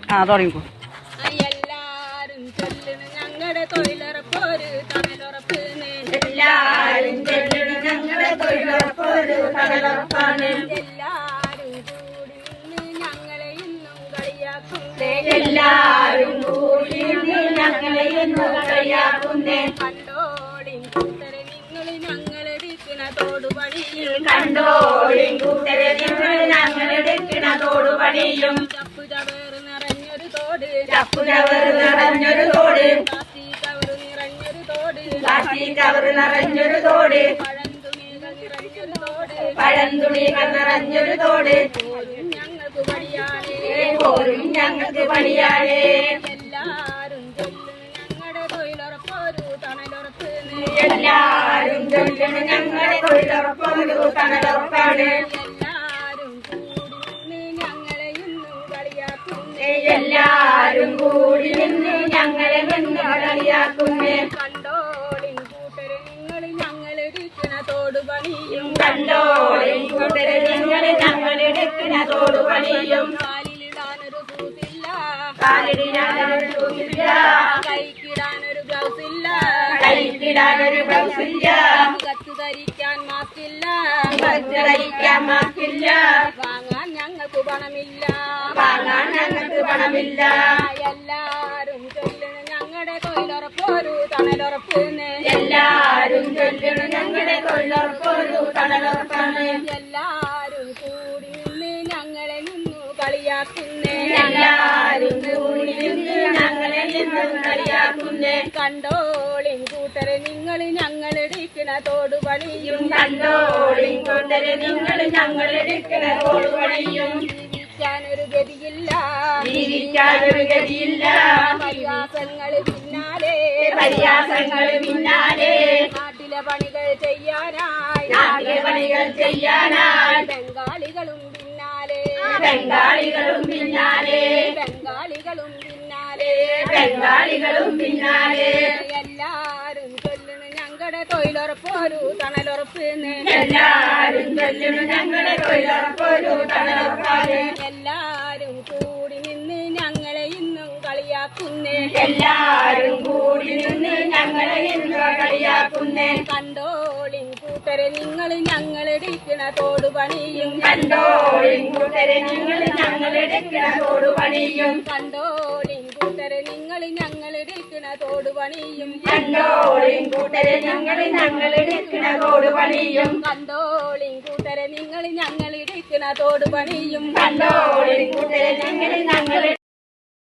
തുടങ്ങിക്കോ. എല്ലാരും ചൊല്ലണ ഞങ്ങളുടെ തൊഴിലുറപ്പൊരു തണലുറപ്പ്. എല്ലാരും ചൊല്ലണ ഞങ്ങളുടെ തൊഴിലുറപ്പൊരു തണലുറപ്പാണ്. എല്ലാരും കൂടി നിന്ന് ഞങ്ങളെ ഇന്നും കളിയാക്കുന്നേ. എല്ലാരും കൂടി നിന്ന് ഞങ്ങളെ ഇന്നും കളിയാക്കുന്നേ. കണ്ടോളിൻ കൂട്ടരെ നിങ്ങൾ ഞങ്ങളെടുക്കണ തോടുപണിയും. കണ്ടോളിൻ കൂട്ടരെ നിങ്ങൾ ഞങ്ങളെടുക്കണ തോടുപണിയും. ചപ്പു ചവറ് നിറഞ്ഞൊരു തോട്. ചപ്പു ചവറ് നിറഞ്ഞൊരു തോട്. പ്ലാസ്റ്റിക് കവറ് നിറഞ്ഞൊരു തോട്. പ്ലാസ്റ്റിക് കവറ് നിറഞ്ഞൊരു തോട്. പഴന്തുണികൾ നിറഞ്ഞൊരു തോട്. പഴന്തുണികൾ നിറഞ്ഞൊരു തോട്. പോരും ഞങ്ങൾക്ക് പണിയാനേ. പോരും ഞങ്ങൾക്ക് പണിയാനേ. എല്ലാരും ചൊല്ലണ ഞങ്ങളുടെ തൊഴിലുറപ്പൊരു തണലുറപ്പ്. എല്ലാരും ചൊല്ലണ ഞങ്ങളുടെ തൊഴിലുറപ്പൊരു തണലുറപ്പാണ്. എല്ലാരും കൂടി നിന്ന് ഞങ്ങളെ ഇന്നും കളിയാക്കുന്നേ. എല്ലാരും കൂടി നിന്ന് ഞങ്ങളെ നിന്ന് കളിയാക്കുന്നേ. കണ്ടോളിൻ കൂട്ടരെ നിങ്ങൾ ഞങ്ങളെടുക്കണ തോടുപണിയും. കണ്ടോളിൻ കൂട്ടരെ നിങ്ങൾ ഞങ്ങളെടുക്കണ തോടുപണിയും. കാലിലിടാനൊരു കൂത്തില്ല. കാലിടാനൊരു ഷൂസില്ല. കൈക്കിടാനൊരു ഗ്ലൗസ് ഇല്ല. കൈക്കിടാനൊരു ബ്ലൗസില്ല. മുഖത്ത് ധരിക്കാൻ മാസ്കില്ല. ധരിക്കാൻ മാസ്കില്ല. വാങ്ങാൻ ഞങ്ങൾക്ക് പണമില്ല. വാങ്ങാൻ ഞങ്ങൾക്ക് പണമില്ല. എല്ലാരും ചൊല്ലണ ഞങ്ങളുടെ തൊഴിലുറപ്പൊരു തണലുറപ്പ്. എല്ലാരും ചൊല്ലണ ഞങ്ങളുടെ തൊഴിലുറപ്പൊരു തണലുറപ്പാണ്. എല്ലാരും കൂടി നിന്ന് ഞങ്ങളെ നിന്നു കളിയാക്കുന്നേ. എല്ലാരും കൂടി നിന്ന് ഞങ്ങളെ നിന്ന് കളിയാക്കുന്നേ. കണ്ടോളിൻ കൂട്ടരെ നിങ്ങൾ ഞങ്ങളെടുക്കണ തോടുപണിയും. കണ്ടോളിൻ കൂട്ടരെ നിങ്ങൾ ഞങ്ങളെടുക്കണ തോടുപണിയും. ജീവിക്കാനൊരു ഗതിയില്ല. ജീവിക്കാനൊരു ഗതിയില്ല. പരിഹാസങ്ങൾ പിന്നാലെ. പരിഹാസങ്ങൾ പിന്നാലെ. നാട്ടിലെ പണികൾ ചെയ്യാനായി. നാട്ടിലെ പണികൾ ചെയ്യാനായി. ബംഗാളികളും പിന്നാലെ. ബംഗാളികളും പിന്നാലെ. ബംഗാളികളും പിന്നാലെ. ബംഗാളികളും പിന്നാലെ. എല്ലാരും ചൊല്ലണ ഞങ്ങളുടെ തൊഴിലുറപ്പൊരു തണലുറപ്പ്. എല്ലാരും ചൊല്ലണ ഞങ്ങളുടെ തൊഴിലുറപ്പൊരു തണലുറപ്പാണ്. എല്ലാരും കൂടി നിന്ന് ഞങ്ങളെ ഇന്നും കളിയാക്കുന്നേ. എല്ലാരും കൂടി നിന്ന് ഞങ്ങളെ ഇന്ന് കളിയാക്കുന്നേ. കണ്ടോളിൻ കൂട്ടരെ നിങ്ങൾ ഞങ്ങളെടുക്കണ തോടുപണിയും. കണ്ടോളിൻ കൂട്ടരെ നിങ്ങൾ ഞങ്ങളെടുക്കണ തോടുപണിയും. കണ്ടോളിൻ കൂട്ടരെ നിങ്ങൾ ഞങ്ങളെടുക്കണ തോടുപണിയും. കണ്ടോളിൻ കൂട്ടരെ ഞങ്ങളെടുക്കണ തോടുപണിയും. കണ്ടോളിൻ കൂട്ടരെ നിങ്ങൾ ഞങ്ങളെടുക്കണ തോടുപണിയും. കണ്ടോളിൻ കൂട്ടരെ ഞങ്ങൾ